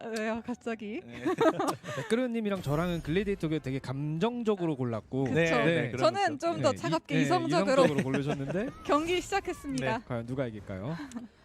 왜요 갑자기? 매끄러님이랑 저랑은 글래디에이터가 되게 감정적으로 골랐고 그쵸. 네, 저는 좀 더 차갑게 이성적으로 이성적으로 고르셨는데 경기 시작했습니다. 과연 누가 이길까요?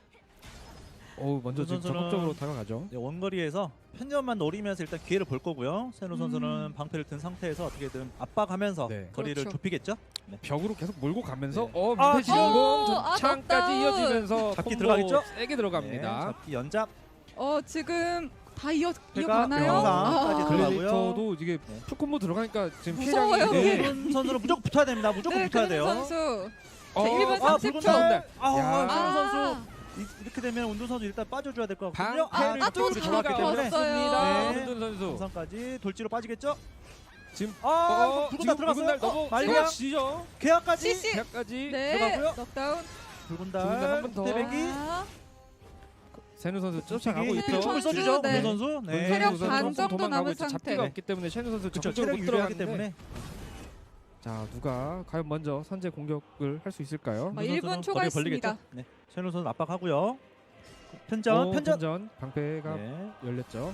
먼저 지금 선수는- 적극적으로 다가가죠. 네, 원거리에서 편전만 노리면서 일단 기회를 볼 거고요. 세노 선수는 방패를 든 상태에서 어떻게든 압박하면서 네. 거리를 그렇죠. 좁히겠죠. 네. 벽으로 계속 몰고 가면서 네. 밑에 진공 아, 창까지 넉다운. 이어지면서 잡기 콤보 들어가겠죠? 세게 들어갑니다. 네, 잡기 연잡. 지금 다 이어가나요? 영상까지 들어가고요. 글래디에이터도 이게 네. 풀콤보 들어가니까 지금 무서워요. 피해량이 네. 세노 선수는 무조건 붙어야 됩니다. 무조건 네, 붙어야 그는 돼요. 선수. 어, 자, 1분 아, 30초. 붉은 달. 야. 세노 선수 이렇게 되면 운동 선수 일단 빠져줘야 될 것 같거든요. 방패를 또 뚫고 들어갔기 들어갔기 때문에 때문에. 네. 훈둔 선수 정상까지 돌지로 빠지겠죠. 지금 붉은 달 지금 들어갔어요. 붉은 달 너무 말량 지죠. 계약까지. CC. 계약까지 네. 들어가고요. 넉다운. 붉은 붉은 달한 달 번 더. 대백이. 아, 세누 선수 쫓아가고 네, 있죠. 총을 써주죠. 네. 네. 선수. 네. 체력 선수 반 조금 정도 도망가고 남은 있죠. 상태. 잡기가 없기 때문에 셰누 선수 그렇죠. 적극적으로 체력이 못 유리하기 들어가는데 때문에 자 누가 과연 먼저 선제 공격을 할 수 있을까요? 아, 1분 선수는 초과 거리를 있습니다. 벌리겠죠. 네. 세노 선수 압박하고요. 편전. 편전 방패가 네. 열렸죠.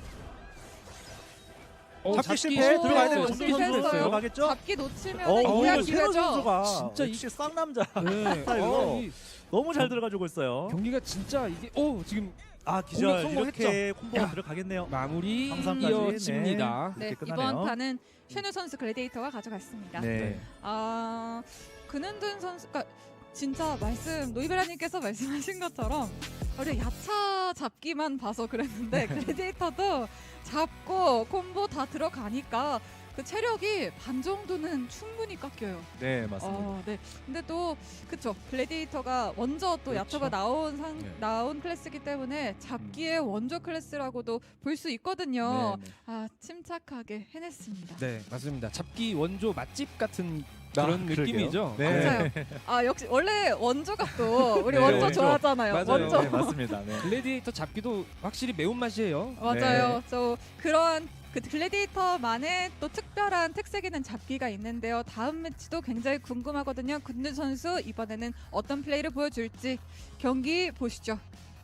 잡기 실패 들어가야 되는 잡기 운동 선수 실패했어요. 들어가겠죠. 잡기 놓치면 오히려 이해할 세노 기회죠. 선수가 진짜 역시 쌍남자 네. 스타일로 이 너무 잘 들어가지고 있어요. 경기가 진짜 이게 지금 아 기절 공격 성공했죠. 이렇게 콤보가 야. 들어가겠네요. 마무리 항상까지, 이어집니다. 네, 이렇게 끝나네요. 이번 판은 쉐누 선수 글래디에이터가 가져갔습니다. 네. 근은둔 선수가 진짜 노이베라님께서 말씀하신 것처럼 우리 야차 잡기만 봐서 그랬는데 글래디에이터도 잡고 콤보 다 들어가니까 그 체력이 반 정도는 충분히 깎여요. 네 맞습니다. 네. 근데 또 그쵸 글래디에이터가 먼저 또 그렇죠. 야차가 네. 나온 클래스이기 때문에 잡기의 원조 클래스라고도 볼 수 있거든요. 네, 네. 침착하게 해냈습니다. 네 맞습니다. 잡기 원조 맛집 같은 아, 그런 그러게요. 느낌이죠. 네. 맞아요. 역시 원래 원조가 또 우리 네, 원조 원조. 좋아하잖아요. 맞아요. 원조. 네, 맞습니다. 네. 글래디에이터 잡기도 확실히 매운맛이에요. 맞아요. 그런 그 글래디에이터만의 또 특별한 특색 있는 잡기가 있는데요. 다음 매치도 굉장히 궁금하거든요. 근둔 선수 이번에는 어떤 플레이를 보여줄지 경기 보시죠.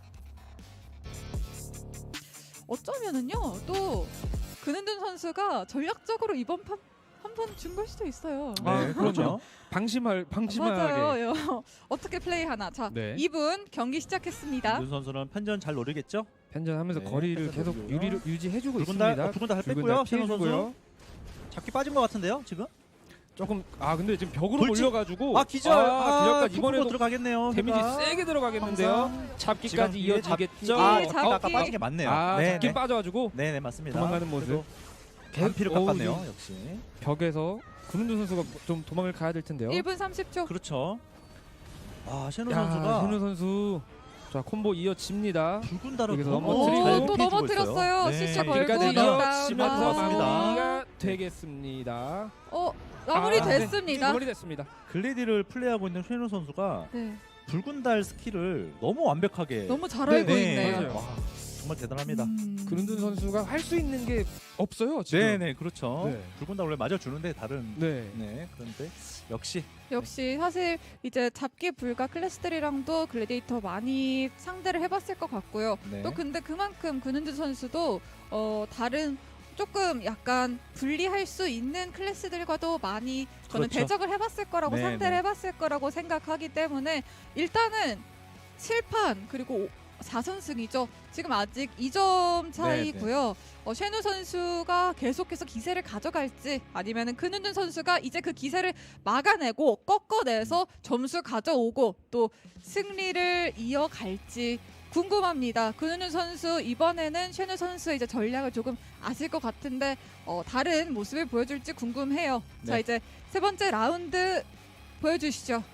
어쩌면은요 또 근둔 선수가 전략적으로 이번 판 한 번 준 걸 수도 있어요. 네, 그렇죠. 방심하게. 맞아요. 어떻게 플레이하나. 자, 네. 2분 경기 시작했습니다. 윤 선수는 편전 잘 노리겠죠. 편전하면서 네, 거리를 편전 계속 노리고요. 유지해주고 붉은 달, 있습니다. 붉은 달 붉은 뺐고요. 달 세노 선수 피해주고요. 잡기 빠진 것 같은데요, 지금? 조금 근데 지금 벽으로 돌진. 몰려가지고 기절. 기절까지 이번에도 이번에도 들어가겠네요. 데미지 그가. 세게 들어가겠는데요. 항상 잡기까지 지금 이어지겠죠. 잡기. 아까 잡기. 빠진 게 맞네요. 잡기 네, 빠져가지고 네, 맞습니다. 도망가는 모습. 반피를 어우, 깎았네요, 지금 역시. 벽에서 구른두 선수가 좀 도망을 가야 될 텐데요. 1분 30초. 그렇죠. 셰노 야, 선수가 현우 선수 자 콤보 이어집니다. 붉은 달을 여기서 너무 넘어뜨리고. 잘 또 피해주고 넘어뜨렸어요. 있어요. CC 네. 걸고 길까지 넉다운. 이어지면서 맞습니다. 마무리가 되겠습니다. 마무리 네. 됐습니다. 마무리됐습니다. 글래디를 플레이하고 있는 쉐노 선수가 네. 붉은 달 스킬을 너무 완벽하게 너무 잘 알고 네, 있네요. 맞아요. 와, 정말 대단합니다. 그른두 선수가 할 수 있는 게 없어요 지금. 네네 그렇죠. 네. 붉은 달 원래 맞아주는데 다른 네. 그런데 역시 역시 사실 이제 잡기 불가 클래스들이랑도 글래디에이터 많이 상대를 해봤을 것 같고요. 네. 또 근데 그만큼 근은주 선수도 다른 조금 약간 분리할 수 있는 클래스들과도 많이 저는 그렇죠. 대적을 해봤을 거라고 네, 상대를 네. 해봤을 거라고 생각하기 때문에 일단은 7판 그리고 4선승이죠. 지금 아직 2점 차이고요. 쉐누 선수가 계속해서 기세를 가져갈지 아니면은 근은준 선수가 이제 그 기세를 막아내고 꺾어내서 점수 가져오고 또 승리를 이어갈지 궁금합니다. 근은준 선수 이번에는 쉐누 선수의 이제 전략을 조금 아실 것 같은데 다른 모습을 보여줄지 궁금해요. 자 네. 이제 세 번째 라운드 보여주시죠.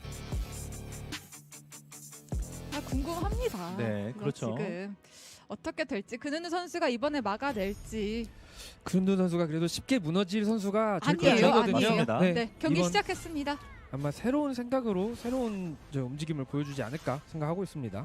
궁금합니다. 네, 그렇죠. 지금 어떻게 될지 근은우 선수가 이번에 막아낼지. 근두 선수가 그래도 쉽게 무너질 선수가 절대 아니에요, 아니거든요. 아니에요. 맞습니다. 네, 경기 이번 시작했습니다. 아마 새로운 생각으로 새로운 움직임을 보여주지 않을까 생각하고 있습니다.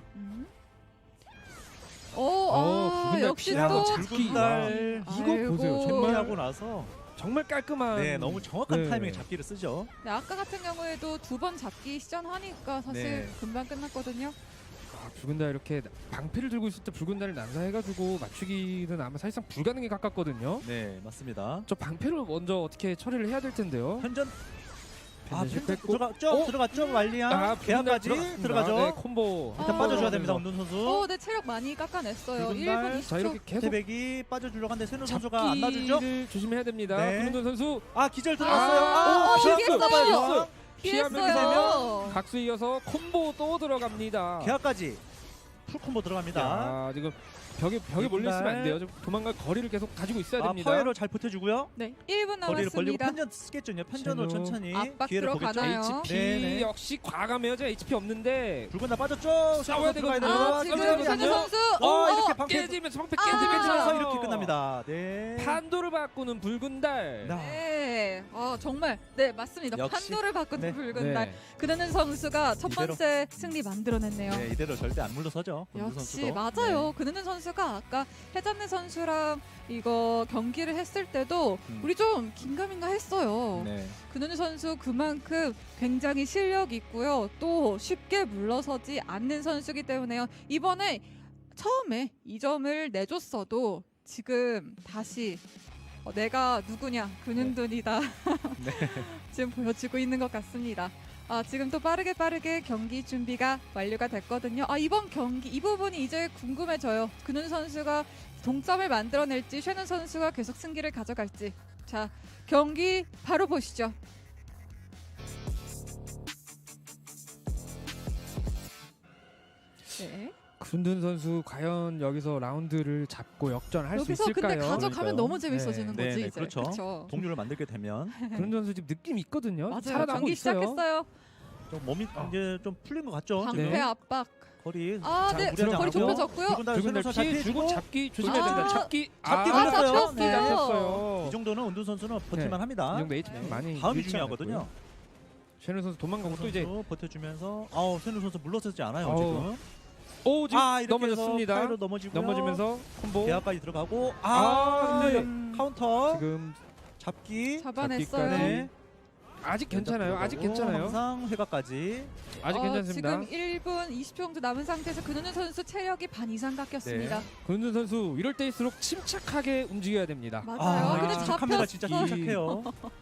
붉은 달 역시 피하고 또 잡기. 붉은 달 이거 아이고. 보세요. 정말 정리하고 나서 정말 깔끔한. 너무 정확한 네. 타이밍에 잡기를 쓰죠. 네, 아까 같은 경우에도 2번 잡기 시전하니까 사실 네. 금방 끝났거든요. 붉은 달 이렇게 방패를 들고 있을 때 붉은 달을 난사해가지고 맞추기는 아마 사실상 불가능에 가깝거든요. 네, 맞습니다. 저 방패를 먼저 어떻게 처리를 해야 될 텐데요. 편전 편전 실패했고. 들어갔죠? 어? 들어갔죠? 말리양. 붉은 달 계약까지 들어갔습니다. 들어가죠. 네, 콤보. 일단 빠져줘야 됩니다. 운동 선수. 네, 체력 많이 깎아냈어요. 붉은 1분 달. 20초. 자 이렇게 계속 태백이 빠져주려고 하는데 세누 선수가 안 놔주죠? 잡기를 조심해야 됩니다. 네. 김은돈 선수 아, 기절 들어갔어요. 아, 피했어요. 피하면서 각수 이어서 콤보 또 들어갑니다. 계약까지 풀 콤보 들어갑니다. 야, 지금 벽에 몰려 있으면 안 돼요. 좀 도망갈 거리를 계속 가지고 있어야 아, 됩니다. 파웨로 잘 버텨주고요. 네, 1분 거리를 벌리고 남았습니다. 편전 쓰겠죠. 이제 편전으로 제노. 천천히 압박 기회를 보겠죠. 들어가나요? HP 네네. 역시 과감해요. 저 HP 없는데 붉은 날 빠졌죠. 싸워야 들어가야 되거든요. 돼요. 아, 지금 깜짝이야. 세누 선수. 와, 이렇게 방패 깨지면서 방패 아. 깨지면서 깨지면서 이렇게 끝납니다. 네. 판도를 바꾸는 붉은 달. 네, 정말 네 맞습니다. 역시. 판도를 바꾸는 네. 붉은 달. 그는 선수가 첫 이대로. 번째 승리 만들어냈네요. 네, 이대로 절대 안 물러서죠. 권주 역시 선수도. 맞아요. 그는 선수가 아까 해잔네 선수랑 이거 경기를 했을 때도 우리 좀 긴가민가 했어요. 네. 그는 선수 그만큼 굉장히 실력 있고요. 또 쉽게 물러서지 않는 선수이기 때문에요. 이번에 처음에 2점을 내줬어도 지금 다시 내가 누구냐 근은돈이다 지금 보여주고 있는 것 같습니다. 지금 또 빠르게 경기 준비가 완료가 됐거든요. 이번 경기 이 부분이 이제 궁금해져요. 근은 선수가 동점을 만들어낼지 쉐는 선수가 계속 승기를 가져갈지. 자, 경기 바로 보시죠. 네. 근든 선수 과연 여기서 라운드를 잡고 역전할 수 여기서 있을까요? 근데 가져가면 그러니까요. 너무 재밌어지는 네, 거지 네, 이제. 그렇죠. 그렇죠. 동료를 만들게 되면 근든 선수 지금 느낌이 있거든요. 맞아요. 살아나고 경기 있어요. 시작했어요. 좀 몸이 이제 좀 풀린 것 같죠. 방패 네. 압박. 거리. 네. 무리하지 거리 않고요. 좁혀졌고요. 붉은 달 붉은 달 선수 피해 주고 잡히고 잡기 조심해야 아, 된다. 잡기 잡기 아, 걸렸어요. 잡혔어요. 네. 잡혔어요. 이 정도는 운동 선수는 네. 버틸만 합니다. 이 정도 HP 많이 다음이 잃지 중요하거든요. 않았고요. 쉐는 선수 도망가고 또 이제 버텨주면서 세누 선수 물러서지 않아요 아우, 지금. 지금 이렇게 넘어졌습니다. 해서 파이로 넘어지고요. 넘어지면서 콤보. 대학까지 들어가고 근데 카운터 지금 잡기. 잡아냈어요. 잡기까지. 네. 아직 괜찮아요. 아직 들어가고 괜찮아요. 항상 회가까지. 아직 괜찮습니다. 지금 1분 20초 정도 남은 상태에서 근은우 선수 체력이 반 이상 깎였습니다. 근든 선수 이럴 때일수록 침착하게 움직여야 됩니다. 맞아요. 근데 카메라 진짜 이- 침착해요.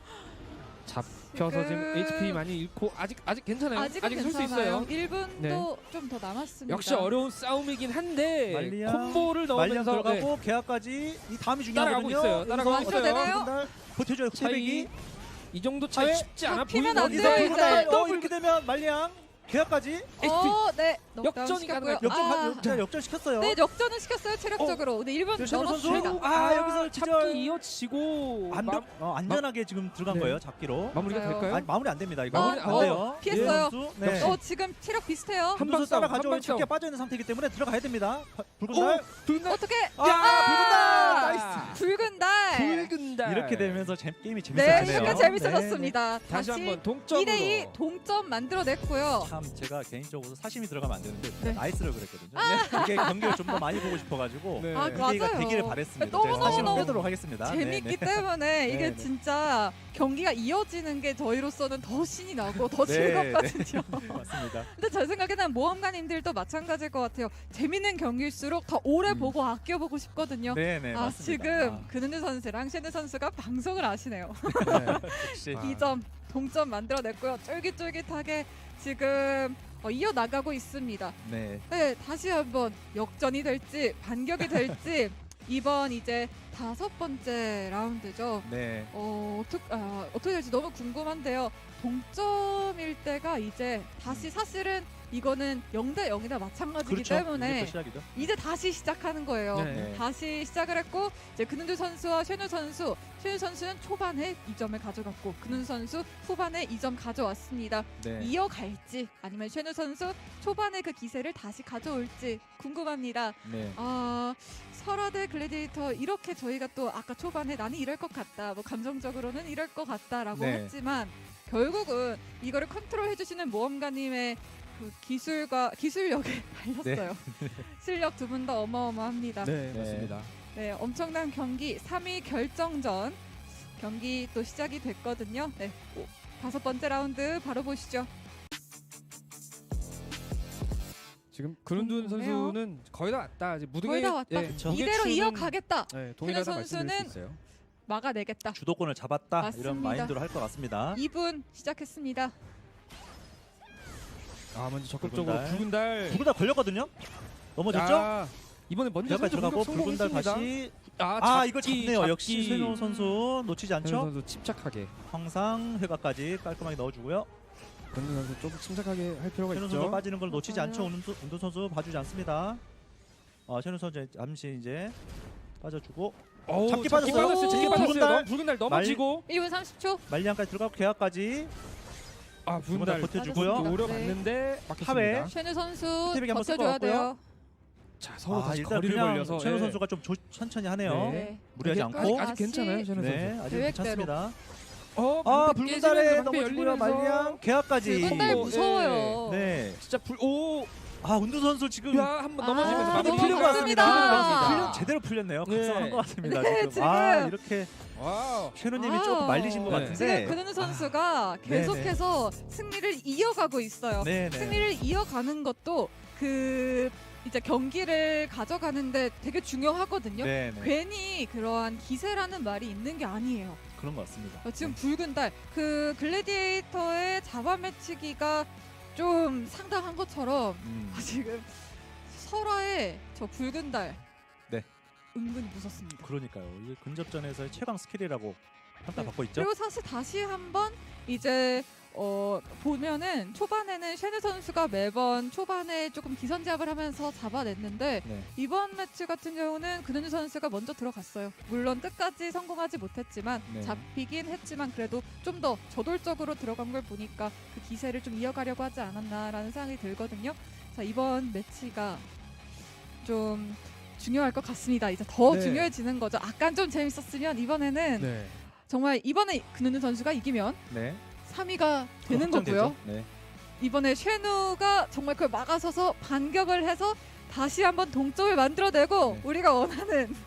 잡혀서 지금 HP 많이 잃고 아직 괜찮아요. 아직은 아직 설 수 괜찮아요. 있어요. 1분도 네. 좀 더 남았습니다. 역시 어려운 싸움이긴 한데 말리양, 콤보를 말량 넣으면서 들어가고 계약까지 이 다음이 따라가고 중요하거든요. 있어요. 따라가고 여기서 있어요. 되나요? 붉은 달 버텨줘요. 차이 태백이. 이 정도 차이 네. 쉽지 않아 잡히면 보이는 안 여기서 돼요, 붉은 이제. 달 이렇게 되면 말량 계약까지 네. 역전이 가능할 제가 역전 시켰어요. 네, 역전을 시켰어요. 체력적으로. 근데 1분 네, 셰너 선수. 넘었습니다. 여기서 잡기 기절. 이어지고 안전하게 지금 들어간 네. 거예요. 잡기로. 마무리가 맞아요. 될까요? 아니, 마무리 안 됩니다. 이거 마무리 안 돼요. 피했어요. 예, 선수. 네. 지금 체력 비슷해요. 한 한 방 방 싸움, 따라가죠. 한방 잡기가 싸움. 빠져 있는 상태이기 때문에 들어가야 됩니다. 붉은 달. 붉은 달 어떻게? 붉은 달. 나이스. 붉은 달. 붉은 달 이렇게 되면서 게임이 네, 재밌어지네요. 약간 재밌어졌습니다. 다시 한번 동점으로 2대2 동점 만들어냈고요. 참 제가 개인적으로 사심이 들어가면 안 되는데 네. 나이스를 그랬거든요. 이게 경기를 좀 더 많이 보고 싶어가지고 네. 기대가 맞아요. 되기를 바랬습니다. 너무 제가 사심을 너무 빼도록 하겠습니다. 재밌기 때문에 이게 네. 진짜 경기가 이어지는 게 저희로서는 더 신이 나고 더 네, 즐겁거든요. 네, 맞습니다. 근데 제 생각에는 모험가님들도 마찬가지일 것 같아요. 재밌는 경기일수록 더 오래 보고 아껴보고 싶거든요. 네네 맞습니다. 지금 근은우 선수랑 셰느 선수가 방송을 아시네요. 역시 2점 동점 만들어냈고요. 쫄깃쫄깃하게 지금 이어나가고 있습니다. 네. 네, 다시 한번 역전이 될지 반격이 될지 이번 이제 5번째 라운드죠. 네. 어떻게 될지 너무 궁금한데요. 동점일 때가 이제 다시 사실은 이거는 0대 0이나 마찬가지이기 그렇죠. 때문에 이제부터 시작이죠. 이제 다시 시작하는 거예요. 네. 다시 시작을 했고 이제 근은두 선수와 쉐누 선수는 초반에 2점을 가져갔고 근은두 선수 후반에 2점 가져왔습니다. 네. 이어갈지 아니면 쉐누 선수 초반에 그 기세를 다시 가져올지 궁금합니다. 네. 설화대 글래디에이터 이렇게 저희가 또 아까 초반에 나는 이럴 것 같다, 뭐 감정적으로는 이럴 것 같다라고 네. 했지만 결국은 이거를 컨트롤 해주시는 모험가님의 그 기술력에 달렸어요. 실력 두 분 다 어마어마합니다. 네, 맞습니다. 네, 엄청난 경기 3위 결정전 경기 또 시작이 됐거든요. 네, 5번째 라운드 바로 보시죠. 지금 그룬둔 궁금해요. 선수는 거의 다 왔다. 이제 무등에 거의 다 왔다. 예, 그쵸. 이대로 무게추는, 이어가겠다. 네, 동일하다 말씀드릴 수 선수는 있어요. 막아내겠다. 주도권을 잡았다 맞습니다. 이런 마인드로 할 것 같습니다. 2분 시작했습니다. 아 먼저 적극적으로 붉은 붉은 달. 붉은 달 걸렸거든요. 넘어졌죠? 야, 이번에 먼저 여기까지 선수 들어가고 공격 붉은 달 성공했습니다. 다시 아, 이걸 잡기, 잡네요. 잡기. 역시 최민호 선수 놓치지 최민호 않죠? 선수 침착하게. 황상 회가까지 깔끔하게 넣어주고요. 권준 선수 좀 침착하게 할 필요가 최민호 선수 있죠. 빠지는 걸 놓치지 맞아요. 않죠. 운동 선수 봐주지 않습니다. 최민호 선수 잠시 이제 빠져주고 어우, 잡기 잡기 빠졌어요. 빠졌어요. 잡기 오. 빠졌어요. 붉은 달. 붉은 달 넘어지고. 1분 30초. 말리안까지 들어가고 계약까지 아 붉은 달 버텨주고요. 맞았습니다. 노려봤는데 하회. 막혔습니다. 쉐누 선수 스텝에게 한번 쓸것 버텨줘야 돼요. 자 서로 다시 일단 거리를 그냥 벌려서 최민호 예. 선수가 좀 천천히 하네요. 네. 무리하지 아직- 않고. 아직 괜찮아요, 셰너 네, 선수. 아직 계획대로. 괜찮습니다. 방패 붉은 깨지면서 달에 방패 넘어지고요. 열리면서 말리안 계약까지. 붉은 달 어, 무서워요. 네. 진짜 오, 운두 선수 지금 야 한번 넘어지면서 아, 마무리 너무 풀린 것 맞습니다. 맞습니다. 제대로 풀렸네요. 네. 각성한 것 같습니다. 네, 지금. 지금. 이렇게 와우. 쉐노님이 아. 조금 말리신 것 네. 같은데. 지금 근은우 선수가 네네. 계속해서 승리를 이어가고 있어요. 네네. 승리를 이어가는 것도 그 이제 경기를 가져가는데 되게 중요하거든요. 네네. 괜히 그러한 기세라는 말이 있는 게 아니에요. 그런 것 같습니다. 지금 붉은 달 그 글래디에이터의 잡아매치기가 좀 상당한 것처럼 지금 설화의 저 붉은 달 네. 은근히 무섭습니다. 그러니까요. 이게 근접전에서의 최강 스킬이라고 평가받고 있죠. 그리고 사실 다시 한번 이제 보면은 초반에는 쉐네 선수가 매번 초반에 조금 기선제압을 하면서 잡아냈는데 네. 이번 매치 같은 경우는 근은주 선수가 먼저 들어갔어요. 물론 끝까지 성공하지 못했지만 네. 잡히긴 했지만 그래도 좀 더 저돌적으로 들어간 걸 보니까 그 기세를 좀 이어가려고 하지 않았나라는 생각이 들거든요. 자, 이번 매치가 좀 중요할 것 같습니다. 이제 더 네. 중요해지는 거죠. 아까 좀 재밌었으면 이번에는 네. 정말 이번에 근은주 선수가 이기면 네. 3위가 되는 확정되죠. 거고요. 네. 이번에 쉐누가 정말 그걸 막아서서 반격을 해서 다시 한번 동점을 만들어내고 네. 우리가 원하는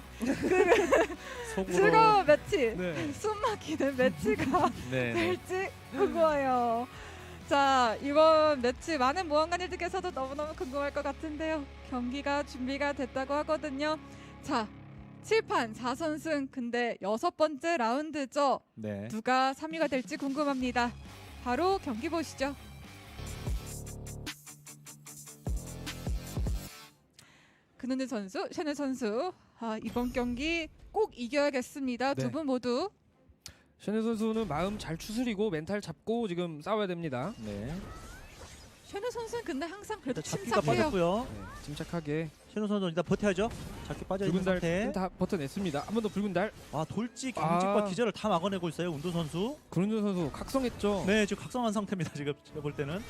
속으로. 즐거운 매치, 네. 숨막히는 매치가 네. 네. 될지 궁금해요. 자, 이번 매치 많은 모험가님들께서도 너무너무 궁금할 것 같은데요. 경기가 준비가 됐다고 하거든요. 자, 7판 4선승 근데 6번째 라운드죠. 네. 누가 3위가 될지 궁금합니다. 바로 경기 보시죠. 근은우 선수, 셰네 선수. 이번 경기 꼭 이겨야겠습니다. 네. 두 분 모두. 셰네 선수는 마음 잘 추스리고 멘탈 잡고 지금 싸워야 됩니다. 네. 셰네 선수는 근데 항상 그래도 일단 잡기가 침착해요. 빠졌고요. 네, 침착하게 쉐노 선수 일단 버텨야죠. 잡기 빠져 있는 붉은 달 상태. 다 버텨냈습니다. 한 번 더 붉은 달. 돌지 경직과 아. 기절을 다 막아내고 있어요. 운두 선수. 그룬준 선수 각성했죠. 네, 지금 각성한 상태입니다. 지금 제가 볼 때는.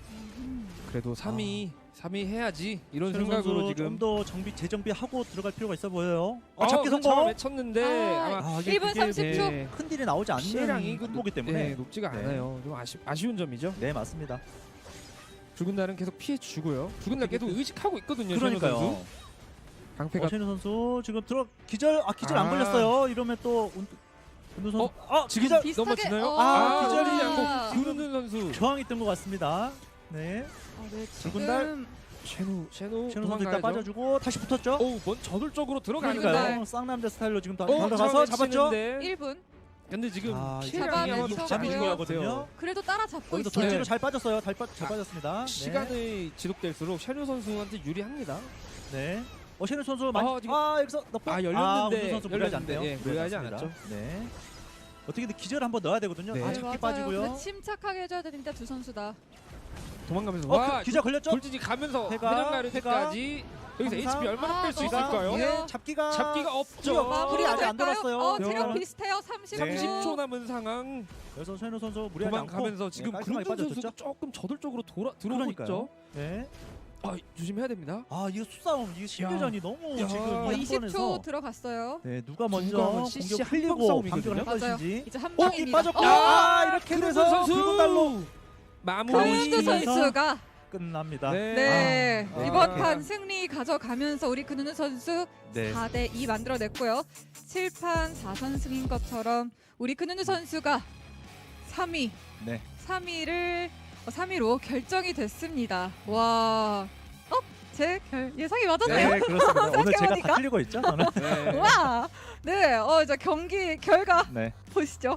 그래도 3위 해야지 이런 쉐노 생각으로 선수 지금 좀더 재정비하고 들어갈 필요가 있어 보여요. 어, 잡기 그 성공. 외쳤는데 아마 이게 1분 그게 30초. 네, 큰 딜이 나오지 않는 시량이 보기 때문에. 네, 높지가 네. 않아요. 좀 아쉬운 점이죠. 네, 맞습니다. 붉은 달은 계속 피해 주고요. 붉은 달 계속 의식하고 있거든요. 셰노 선수. 그러니까요. 방패가 쉐노 선수 지금 기절 안 아. 걸렸어요. 이러면 또 운두 선수 지금 기절 비슷하게 넘어지나요? 기절이 않고 그룬준 선수. 저항이 뜬 것 같습니다. 네. 네, 붉은 달. 지금 셰노 쉐노 선수 일단 도망가야죠. 빠져주고 다시 붙었죠. 오, 뭔 저돌적으로 들어가니까요. 그러니까요. 쌍남자 스타일로 지금 다 어, 들어가서 잡았죠. 1분. 근데 지금 이게 시간이 아마 잡아내서 높지 않은 것 잡아내서 같아요. 그래도 따라잡고 여기서 있어요. 돌지로 잘 빠졌어요. 잘 빠졌습니다. 시간이 지속될수록 셰노 선수한테 유리합니다. 네. 쉐노 선수 지금- 여기서 넣고 열렸는데 운두 선수 무리하지 열렸는데, 않네요. 예, 무리하지 않았죠. 네. 어떻게든 기절 한번 넣어야 되거든요. 네. 잡기 맞아요. 빠지고요. 근데 침착하게 해줘야 되는데 두 선수 다. 도망가면서 기절 걸렸죠? 돌진이 가면서 회가, 회전가르기까지 여기서 항상. HP 얼마나 뺄 수 너무 있을까요? 좋아요. 예, 잡기가 없죠. 마무리 아직 안 될까요? 들었어요. 체력 네. 비슷해요. 30초. 네. 30초 남은 상황 여기서 쉐노 선수 무리하지 않고 도망가면서 지금 깔끔하게 그룬준 선수가 빠져줬죠. 조금 저돌적으로 들어오고 그러니까요. 있죠. 네. 조심해야 됩니다. 이거 수싸움, 이게 신교전이 너무 야. 지금 어, 이 20초 한번에서 들어갔어요. 네, 누가 먼저 누가 CC 공격 한방 흘리고 싸움이거든요. 반격을 할 맞아요. 것인지. 이제 한 이 방입니다. 빠졌고 그룬준 이렇게 돼서 붉은 달로 마무리. 그룬두 선수가 끝납니다. 네, 아, 이번 아. 판 승리 가져가면서 우리 근은우 선수 네. 4대2 만들어냈고요. 7판 4선승인 것처럼 우리 근은우 선수가 3위, 네. 3위로 결정이 됐습니다. 와, 제 예상이 맞았네요. 네, 그렇습니다. 오늘 제가 생각해보니까. 다 틀리고 있죠, 저는. 네. 와, 네, 이제 경기 결과 네. 보시죠.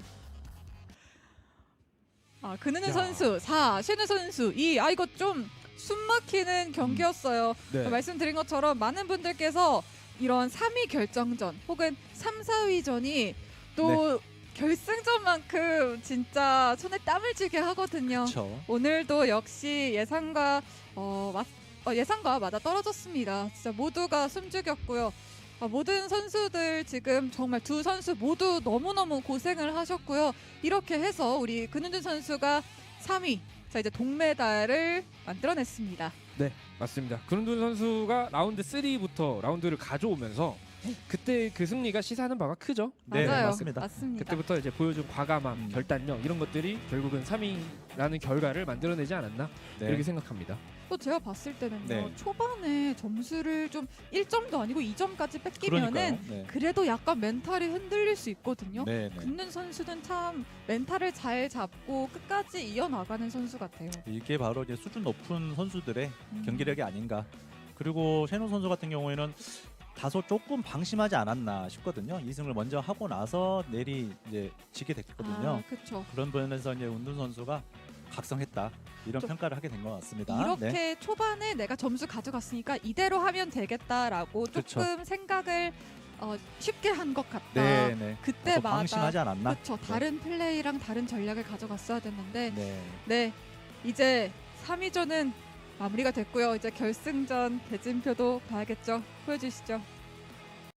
근은은 야. 선수 4, 셰누 선수 2. 이거 좀 숨막히는 경기였어요. 네. 말씀드린 것처럼 많은 분들께서 이런 3위 결정전 혹은 3, 4위전이 또 결승전만큼 진짜 손에 땀을 쥐게 하거든요. 그렇죠. 오늘도 역시 예상과 예상과 맞아 떨어졌습니다. 진짜 모두가 숨죽였고요. 모든 선수들 지금 정말 두 선수 모두 너무너무 고생을 하셨고요. 이렇게 해서 우리 근은준 선수가 3위, 자 이제 동메달을 만들어냈습니다. 네, 맞습니다. 근은준 선수가 라운드 3부터 라운드를 가져오면서 그때 그 승리가 시사하는 바가 크죠. 네, 맞아요. 맞습니다. 맞습니다. 그때부터 이제 보여준 과감함, 결단력 이런 것들이 결국은 3위라는 결과를 만들어내지 않았나 네. 이렇게 생각합니다. 또 제가 봤을 때는요. 네. 초반에 점수를 좀 1점도 아니고 2점까지 뺏기면은 그러니까요. 네. 그래도 약간 멘탈이 흔들릴 수 있거든요. 네, 네. 근는 선수는 참 멘탈을 잘 잡고 끝까지 이어나가는 선수 같아요. 이게 바로 이제 수준 높은 선수들의 음. 경기력이 아닌가. 그리고 셰누 선수 같은 경우에는 다소 조금 방심하지 않았나 싶거든요. 2승을 먼저 하고 나서 내리 이제 지게 됐거든요. 그렇죠. 그런 부분에서 이제 운둔 선수가 각성했다 이런 좀 평가를 하게 된 것 같습니다. 이렇게 네. 초반에 내가 점수 가져갔으니까 이대로 하면 되겠다라고 조금 그쵸. 생각을 쉽게 한 것 같다. 네, 네. 다소 그때마다 방심하지 않았나? 그렇죠. 다른 플레이랑 다른 전략을 가져갔어야 됐는데 네. 네, 이제 3위전은 마무리가 됐고요. 이제 결승전 대진표도 봐야겠죠. 보여주시죠.